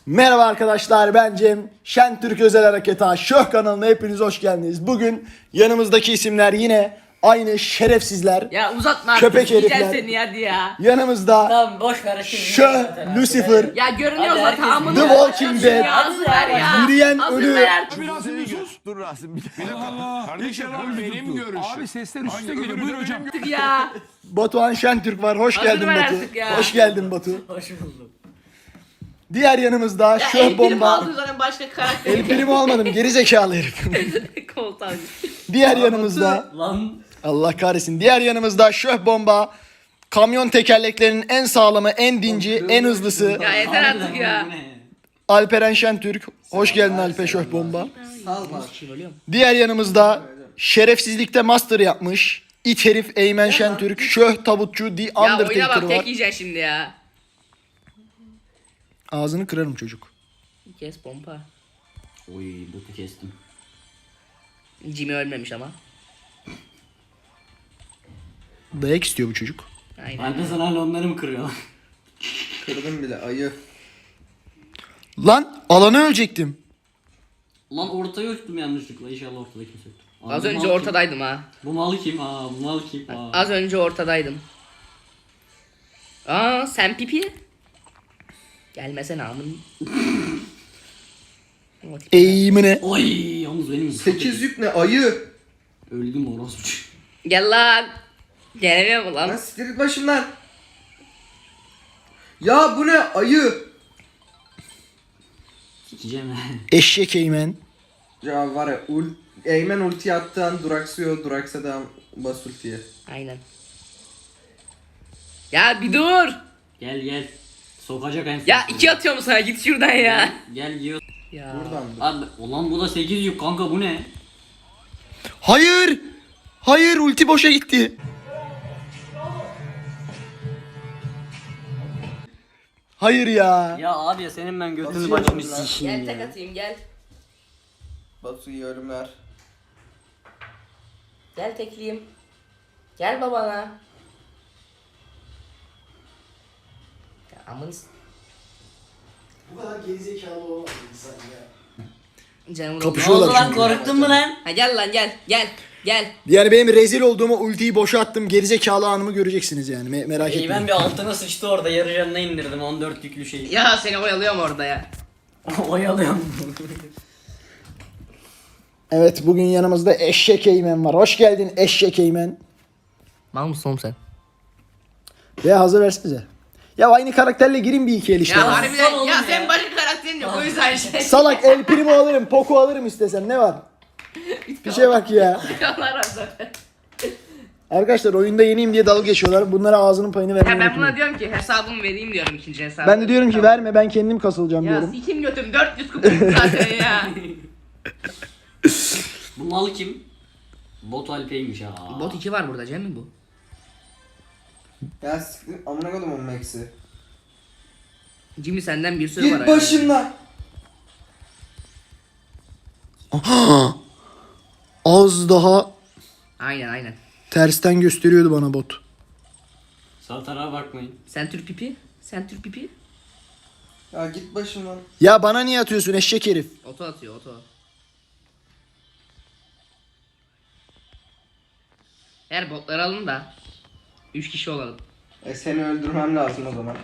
Merhaba arkadaşlar, ben Cem. Şentürk Özel Harekatı Şöh kanalına hepiniz hoş geldiniz. Bugün yanımızdaki isimler yine aynı şerefsizler. Ya uzatma artık. Köpek Yiyeceğim herifler. seni hadi ya. Yanımızda Tamam boş ver şimdi. Şöh Lucifer, Ya görünüyor Hadi zaten herkes- amına. The Walking Dead, Hazır ver ya. Yürüyen Hazır Ölü. ver artık. Dur Rasim bir dakika. Kardeşim bu benim görüşüm. Abi sesler üstte geliyor. Buyur hocam. Ya. Batuhan Şentürk var. Hoş Hazır geldin ver Batu. artık ya. Hoş geldin Batu. Hoş buldum. Diğer yanımızda Ya Şöh el Bomba. aldın zaten başka karakter. El primi almadım, geri zekalı herif. Koltuğa. Diğer yanımızda Lan Allah kahretsin. Diğer yanımızda Şöh Bomba. Kamyon tekerleklerinin en sağlamı, en dinci, en hızlısı Ya yeter artık ya. bu ne? Alperen Şentürk. Hoş geldin Alper Şöh Bomba. Diğer yanımızda şerefsizlikte master yapmış it herif Eymen Şentürk, Şöh Tabutçu, The Ya oyuna Undertaker bak var. tek yiyeceksin şimdi ya. Ağzını kırarım çocuk. Kes pompa. Oy boku kestim. Jimmy ölmemiş ama. Dayak istiyor bu çocuk. Aynen. Ben de sana hala onları mı kırıyor? Kırdım bile ayı. Lan alanı ölecektim. Lan ortaya uçtum yanlışlıkla, inşallah ortada kimse yoktur. Aa, Az bu önce mal ortadaydım ha. Kim? Bu mal kim? Aa bu mal kim? Aa. Az önce ortadaydım. Aa sen pipi. Gelmesene amın. Eğimine. Oy yalnız benim 8 yük ne ayı? öldüm orospu. Gel lan. Gelemiyor mu Lan lan? siktir git başımdan. Ya bu ne ayı? Sikeceğim ben. Eşek Eymen. Ya var ya Eymen ulti attığı an duraksıyor, duraksadan bas ultiye. Aynen. Ya bir dur. Gel gel. Sokacak en son. Ya iki atıyorum sana git şuradan ya. Gel yiyor. Ya. Buradan Abi ulan bu da 8 yük kanka, bu ne? Hayır. Hayır, ulti boşa gitti. Hayır ya. Ya abi ya senin ben götünü Nasıl başını yapalım lan? sikeyim Gel tek ya. atayım gel. Batu iyi ölümler. Gel tekleyeyim. Gel babana. Ya amın. Bu kadar gerizekalı olmaz insan ya. Canım Ne Kapışıyorlar oldu lan, çünkü. korktun mu lan? Ha gel lan gel gel gel. Yani benim rezil olduğumu, ultiyi boşa attım, gerizekalı anımı göreceksiniz yani. Merak İyi, etmeyin. ben bir altına sıçtı orada, yarı canına indirdim 14 yüklü şeyi. Ya seni oyalıyorum orada ya. Oyalıyorum. Evet, bugün yanımızda Eşek Eymen var. Hoş geldin Eşek Eymen. Mal mısın oğlum sen? Veya hazır versenize. Ya aynı karakterle girin bir iki el işte. Ya ya. harbiden oğlum ya ya. senin başka karakterin yok o yüzden şey. Salak El Primo alırım, Poco alırım istesem, ne var? Bir şey bak ya. Allah razı olsun. Arkadaşlar oyunda yeniyim diye dalga geçiyorlar. Bunlara ağzının payını Ya vermeyi ben unutmayın. buna diyorum ki hesabımı vereyim diyorum ikinci hesabı. Ben de diyorum ki verme, ben kendim kasılacağım Ya diyorum. sikim götüm 400 kupon zaten ya. Bu mal kim? Bot Alpe'ymiş ha. Bot 2 var burada Cem mi bu? Ya siktir amına koydum onun max'i. Jimmy senden bir sürü var. Git başımdan. Az daha Aynen. tersten gösteriyordu bana bot. Sağ tarafa bakmayın. Sen Türk pipi. Sen Türk pipi. Ya git başımdan. Ya bana niye atıyorsun eşek herif? Oto atıyor oto. Eğer botları alın da 3 kişi olalım. Seni öldürmem lazım o zaman.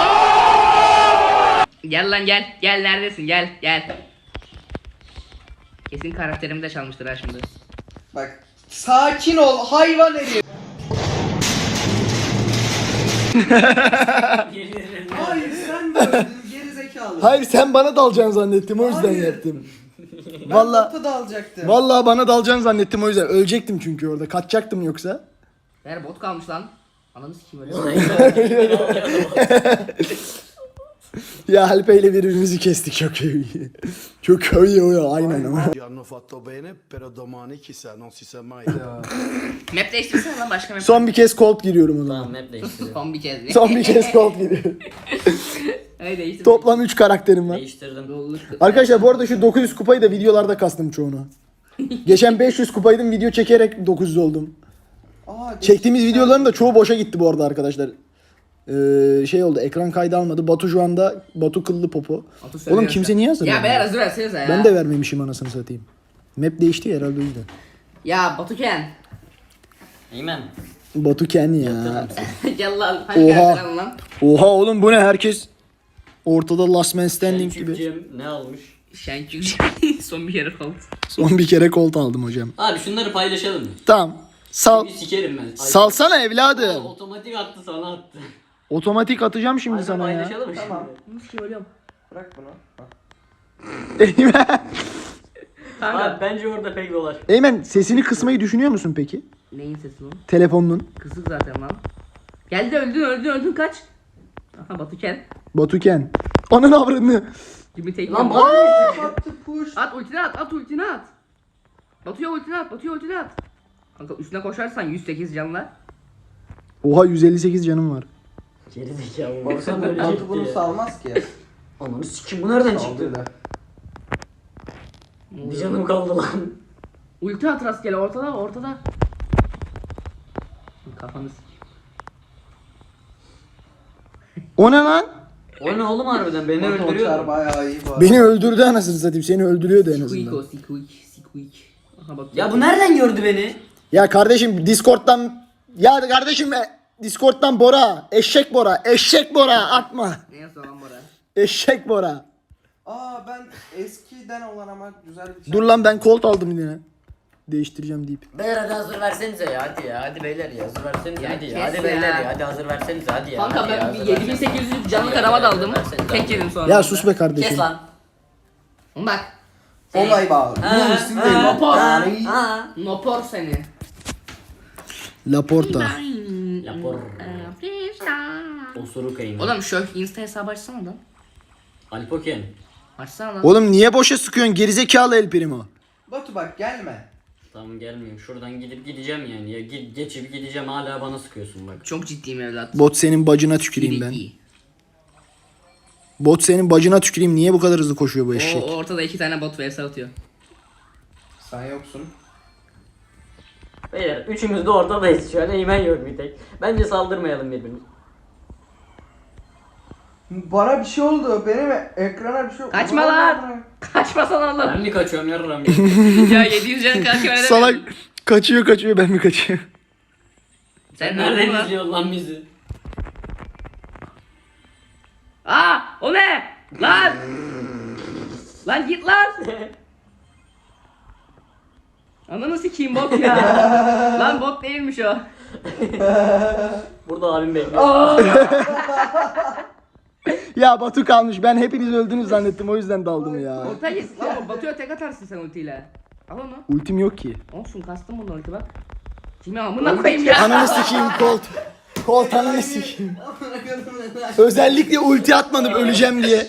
Gel lan gel. Gel neredesin gel. Kesin karakterimi de çalmıştır ha şimdi. Bak sakin ol hayvan herif. Hayır sen böyle gerizekalı. Hayır, sen bana dalacaksın zannettim, o yüzden Hayır. yaptım. Ben Vallahi Batu da alacaktım. vallahi bana dalacaksın zannettim, o yüzden ölecektim çünkü orada. Kaçacaktım yoksa. Eğer bot kalmış lan. Ananı sikeyim öyle. Ya Alpe'yle birbirimizi kestik, çok iyi. Çok iyi o, aynen ama. Hanno fatto bene, però domani chissà, non si sa mai. Map değiştirsene lan başka map. Son bir kez Colt giriyorum o zaman. Tamam map değiştiriyorum. Son bir kez. Son bir kez Colt giriyorum. Öyle değiştir. Toplam 3 karakterim var. Değiştirdim. Arkadaşlar bu arada şu 900 kupayı da videolarda kastım çoğunu. Geçen 500 kupaydım, video çekerek 900 oldum. Aa, Çektiğimiz videoların da çoğu boşa gitti bu arada arkadaşlar. Şey oldu, ekran kaydı almadı. Batu şu anda Batu kıllı popo. Batu söylüyor Oğlum kimse sen. niye hazır? Ya beyler hazır versenize ya. Ben de vermemişim anasını satayım. Map değişti ya herhalde o yüzden. Ya Batuken. Eymen. Batu Ken ya. Gel lan. Hadi Oha. gel lan. Oha oğlum bu ne, herkes ortada last man standing gibi. Selçukcuğum ne almış? Şenkük. Son bir kere kaldı. Son bir kere kolt aldım hocam. Abi şunları paylaşalım mı? Tamam. Sal. Bir sikerim ben. Ay, Salsana evladım. Otomatik attı sana attı. Otomatik atacağım şimdi Hadi sana ya. paylaşalım mı Tamam. Nasıl ki ölüyorum. Bırak bunu. Bak. Kanka. Abi bence orada pek dolaş. Eymen sesini kısmayı düşünüyor musun peki? Neyin sesi lan? Telefonun. Kısık zaten lan. Geldi öldün kaç. Aha Batuken. Batu Ken. Ananı avradını. Jimmy take Lan one. bana Battı push. At ultini at. Batu'ya ultini at. Kanka üstüne koşarsan 108 canla. Oha 158 canım var. Geri zekalı. Baksana Batu ölecekti bunu ya. salmaz ki. Ananı sikim bu nereden çıktı? Saldırdı. Bir canım kaldı lan. Ulti at rastgele ortada. Kafanı sikeyim. O ne lan? O ne oğlum harbiden beni Batu uçar öldürüyor. bayağı iyi bu arada. Beni öldürdü anasını satayım. Seni öldürüyordu en Squeak o azından. squeak. Aha Batu. Ya bu nereden gördü beni? Ya kardeşim Discord'dan Discord'dan Bora. Eşek Bora atma. Neyse lan Bora. Eşek Bora. Aa ben eskiden olan ama güzel bir şey. Dur lan ben kolt aldım yine. Değiştireceğim deyip. Beyler hadi hazır versenize ya hadi ya hadi beyler ya hazır versenize Ya hadi kes ya hadi ya. beyler ya hadi hazır versenize hadi ya. Kanka hadi ya, ben hazır 7800 canlı karama daldım. Tek yedim sonra. Ya sus be kardeşim. Kes lan. Bak. Olay bağlı. Bu isim değil. Nopor. Yani Nopor seni. Laporta. Lapor. Osuruk eymen. Oğlum şu Insta hesabı açsana lan. Alpoken. Açsana lan. Oğlum niye boşa sıkıyorsun gerizekalı El Primo? Batu bak gelme. Tamam gelmiyorum şuradan gidip gideceğim yani ya geçip gideceğim hala bana sıkıyorsun bak. Çok ciddiyim evlat. Bot senin bacına tüküreyim ben. İyi. Bot senin bacına tüküreyim. Niye bu kadar hızlı koşuyor bu O eşek? ortada 2 tane bot vs atıyor. Sen yoksun. Beyler üçümüz de ortadayız şu an eymen yok bir tek. Bence saldırmayalım birbirimize. Bana bir şey oldu. Benim ekrana bir şey oldu. Kaçma lan. Kaçmasana Ben oğlum. mi kaçıyorum yarram Ya 700 can kaçıyor öyle Salak demiyorum. kaçıyor ben mi kaçıyorum? Sen Nereden nereden lan? izliyorsun lan bizi? Aa o ne? Lan. Lan git lan. Ananı sikeyim bot ya. Lan bot değilmiş o. Burada abim bekliyor. Ya Batu kalmış. Ben hepiniz öldünüz zannettim. O yüzden daldım ya. Ortaya git lan Batu'ya tek atarsın sen ultiyle. Al onu. Ultim yok ki. Olsun kastım bunu ulti bak. Kimi amına koyayım ya. Ananı sikeyim Colt. Colt ananı sikeyim. Özellikle ulti atmadım öleceğim diye.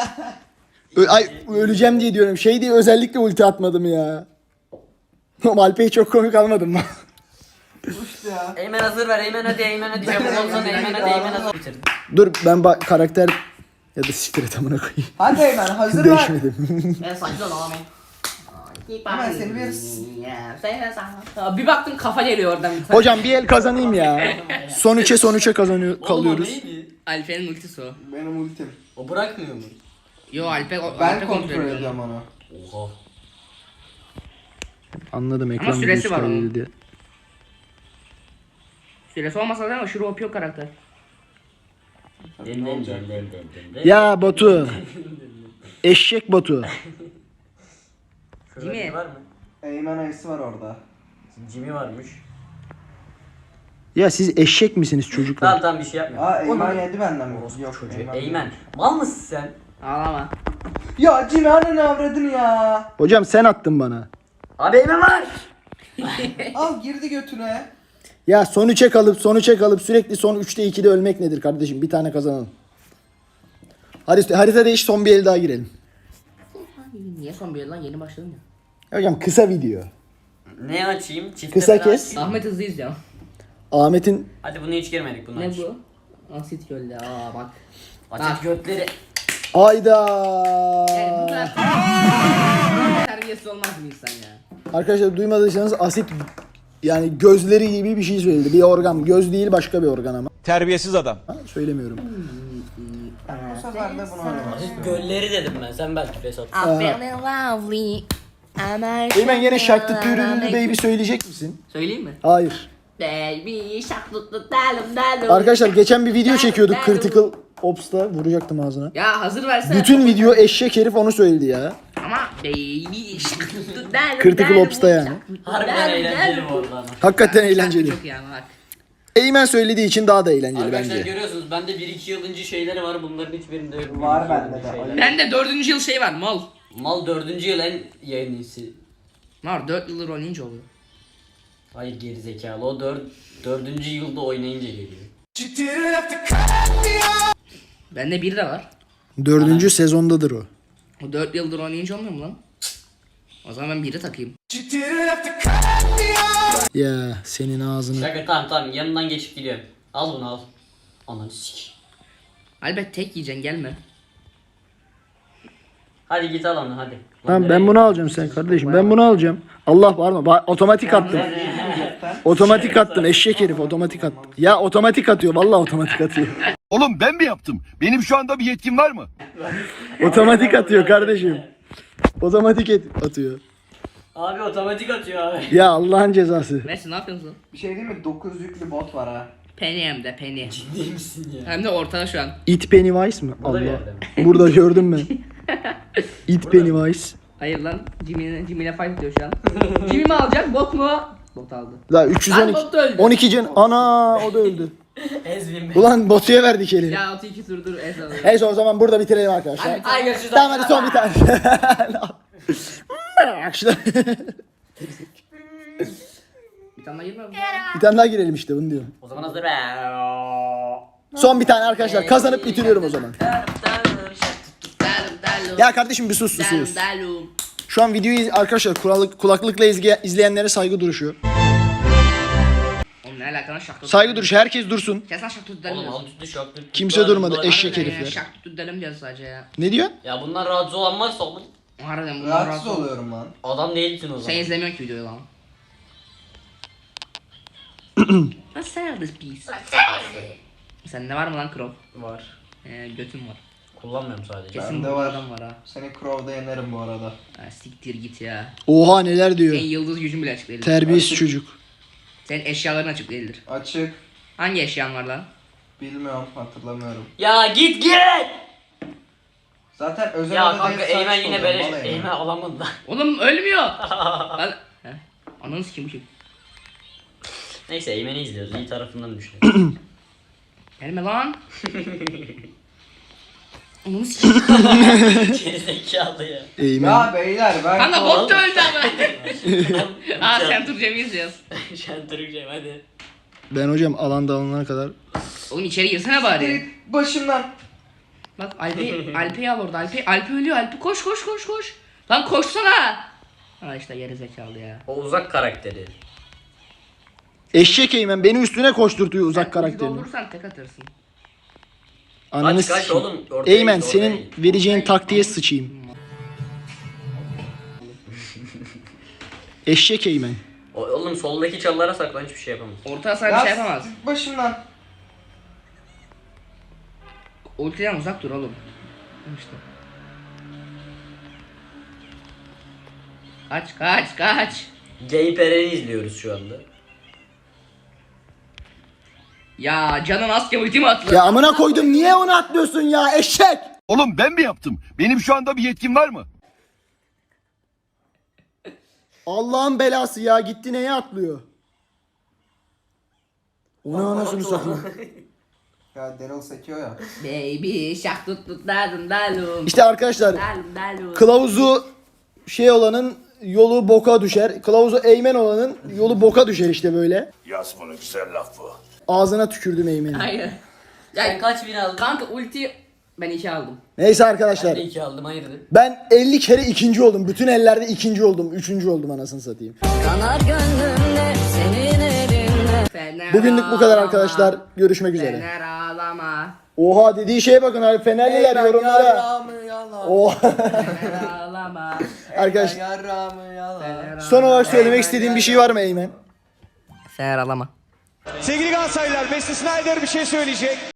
Öleceğim diye diyorum. Şey diye özellikle ulti atmadım ya. Alpe'yi çok komik almadım mı? Uçtu ya. Eymen hazır ver eymen hadi çabuk olsana eymen hadi eymen hazır. Bitirdim. Dur ben karakter ya da siktir et amına koyayım. Hadi Eymen hazır ver. Değişmedim. Ben saçma lan Hemen seni veririz. Ya bir baktım kafa geliyor oradan bir tane. Hocam bir el kazanayım ya. Son 3'e kazanıyor Oğlum o kalıyoruz. neydi? Alper'in ultisi o. Benim ultim. O bırakmıyor mu? Yo Alper Ben kontrol ediyorum onu. Oha. Anladım ekran süresi videosu var onun. kaydedildi diye. Süresi olmasa da aşırı OP o karakter. Den. Ya Batu. Eşek Batu. Şurada Jimmy. biri var mı? Eymen ayısı var orada. Jimmy varmış. Ya siz eşek misiniz çocuklar? Tamam bir şey yapmıyor. Aa Eymen Onu- yedi benden mi? Yok çocuğu. Eymen. Eymen. Mal mısın sen? Ağlama. Ya Jimmy ananı avradın ya. Hocam sen attın bana. Abi Eymen var. Al girdi götüne. Ya son 3'e kalıp sürekli son 3'te 2'de ölmek nedir kardeşim? Bir tane kazanalım. Hadi harita değiş, son bir el daha girelim. Niye son bir yıl lan yeni başladım ya. Hocam kısa video. Ne açayım? Çifte Kısa bela kes. açayım. Ahmet hızlı izliyor. Ahmet'in Hadi bunu hiç girmedik bunu Ne aç. bu? Asit gölde aa bak. Aç götleri. ayda. Yani bu kadar terbiyesiz olmaz mı insan ya? Arkadaşlar duymadıysanız asit yani gözleri gibi bir şey söyledi. Bir organ. Göz değil başka bir organ ama. Terbiyesiz adam. Ha, söylemiyorum. Bu sefer de bunu oynamak. Gölleri dedim ben. Sen belki Fesat. I'm feeling lovely. Eymen yine şarkı türünü baby söyleyecek misin? Söyleyeyim mi? Hayır. Baby shark tut tut dalım dalım. Arkadaşlar geçen bir video çekiyorduk Critical Ops'ta. Vuracaktım ağzına. Ya hazır versene. Bütün video eşek herif onu söyledi ya. Ama baby shark tut tut dalım Critical dalım. Ops'ta yani. Harbiden eğlenceli bu arada ama. Hakikaten Şarkı eğlenceli. Çok iyi ama bak. Eymen söylediği için daha da eğlenceli Arkadaşlar bence. görüyorsunuz bende 1-2 yılınca şeyleri var, bunların hiçbirinde yok. Var 1-2 bende yılınca de. şeyler. Ben de 4. yıl şey var mal. Mal 4. yıl en yenisi. Var 4 yıldır oynayınca oluyor. Hayır gerizekalı, o 4. Yılda oynayınca geliyor. Bende 1 de var. 4. sezondadır o. O 4 yıldır oynayınca olmuyor mu lan? O zaman ben 1'i takayım. Ya senin ağzını. Şaka, tamam yanından geçip gidiyorum. Al bunu al. Ananı sik. Albet tek yiyeceksin gelme. Hadi git al onu hadi. Tamam ben bunu alacağım sen kardeşim. Ben bunu alacağım. Allah pardon. Otomatik attım. Otomatik attım. Eşek herif otomatik attı. Ya otomatik atıyor. Vallahi otomatik atıyor. Oğlum ben mi yaptım? Benim şu anda bir yetkim var mı? Otomatik atıyor kardeşim. Otomatik atıyor. Abi otomatik atıyor abi. Ya Allah'ın cezası. Messi ne yapıyorsun lan? Bir şey değil mi? 9 yüklü bot var ha. Penny hem de Penny. Değil misin ya? Hem de ortada şu an. It Pennywise mi? O da bir Allah. yerde. Burada gördüm ben. It Pennywise. Hayır lan Jimmy'yle fight ediyor şu an. Jimmy mi alacak bot mu? Bot aldı. La Lan 312. bot da öldü. 12 can. Ana o da öldü. Ezbin Ulan Batu'ya verdik eli. Ya 32 turdur es alıyor. Neyse o zaman burada bitirelim arkadaşlar. Ay görüşürüz. Tamam hadi son bir tane. Bir tane daha girme mi? Bir tane daha girelim işte bunu diyorum. O zaman hazır be. Son bir tane arkadaşlar kazanıp bitiriyorum o zaman. Ya kardeşim bir sus sus. Şu an videoyu arkadaşlar kulaklıkla izleyenlere saygı duruşu. Oğlum ne alaka lan şak tut. Saygı duruşu herkes dursun. Kes lan şak tut delim Oğlum diyorsun. alt üstü şok. Kimse durmadı, eşek Harbiden herifler. ya, şak tut delim diyoruz sadece ya. Ne diyorsun? Ya bunlar rahatsız olan varsa oğlum. Harbiden bunlar Rahatsız rahatsız ol. oluyorum lan. Adam değilsin o zaman. Sen izlemiyorsun ki videoyu lan. Let's sell this piece. Sende var mı lan Crow? Var. Götüm var. Kullanmıyorum sadece. Kesin Bende bu var. adam var ha. Seni Crow'da yenerim bu arada. Ha, siktir git ya. Oha neler diyor. Senin yıldız gücün bile açık değildir. Terbiyesiz çocuk. Senin eşyaların açık değildir. Açık. Hangi eşyan var lan? Bilmiyorum, hatırlamıyorum. Ya git git. Zaten özel Ya odada kanka hep Eymen saç yine oluyor, böyle bana Eymen alamadı lan. Oğlum ölmüyor. Lan. Heh. Ananı sikim bu şey. Neyse Eymen'i izliyoruz. İyi tarafından düşünüyoruz. Gelme lan. Ananı sikim. Gerizekalı ya. Eymen. Ya beyler ben Kanka bot da öldü ama. Aa sen Turcem'i izliyoruz. Şentürkçeyim hadi. Ben hocam alanda alınana kadar. Oğlum içeri girsene bari. Git başımdan. Bak Alpe'yi al orada. Alpe ölüyor. Alpe koş. Lan koşsana. Ha işte geri zekalı ya. O uzak karakteri. Eşek Eymen beni üstüne koşturtuyor uzak Sen karakterini. doldurursan tek atırsın. Ananı Kaç sikeyim. oğlum. Ortaya Eymen git, ortaya senin git. vereceğin taktiğe sıçayım. Eşek Eymen. Oğlum soldaki çalılara saklan, hiçbir şey yapamaz. Orta hasar bir şey yapamaz. git başımdan. Ultiden uzak dur oğlum. İşte. Kaç. Gay Peren'i izliyoruz şu anda. Ya canın aske ultimi atla. Ya amına koydum niye onu atlıyorsun ya eşek? Oğlum ben mi yaptım? Benim şu anda bir yetkim var mı? Allah'ın belası ya gitti neye atlıyor? Onu anasını satayım. Ya Daryl sekiyor ya. Baby şak tut dalum. İşte arkadaşlar Dalum. kılavuzu şey olanın yolu boka düşer. Kılavuzu Eymen olanın yolu boka düşer işte böyle. Yaz bunu güzel laf bu. Ağzına tükürdüm Eymen'i. Hayır. Sen kaç bin aldın? Kanka ulti ben 2 aldım. Neyse Ben arkadaşlar. de 2 aldım, hayırdır? Ben 50 kere ikinci oldum. Bütün ellerde ikinci oldum. Üçüncü oldum anasını satayım. Kanar gönlümde senin elinle. Fener Bugünlük bu kadar ağlama. arkadaşlar. Görüşmek üzere. Fener ağlama. Oha dediği şeye bakın abi. Fenerliler yorumlara. Yarrağımı yala. Oha. Fener ağlama. Arkadaşlar Yarrağımı yala. son olarak söylemek istediğim bir şey var mı Eymen? Fener ağlama. Sevgili Galatasaraylılar, Wesley Sneijder bir şey söyleyecek.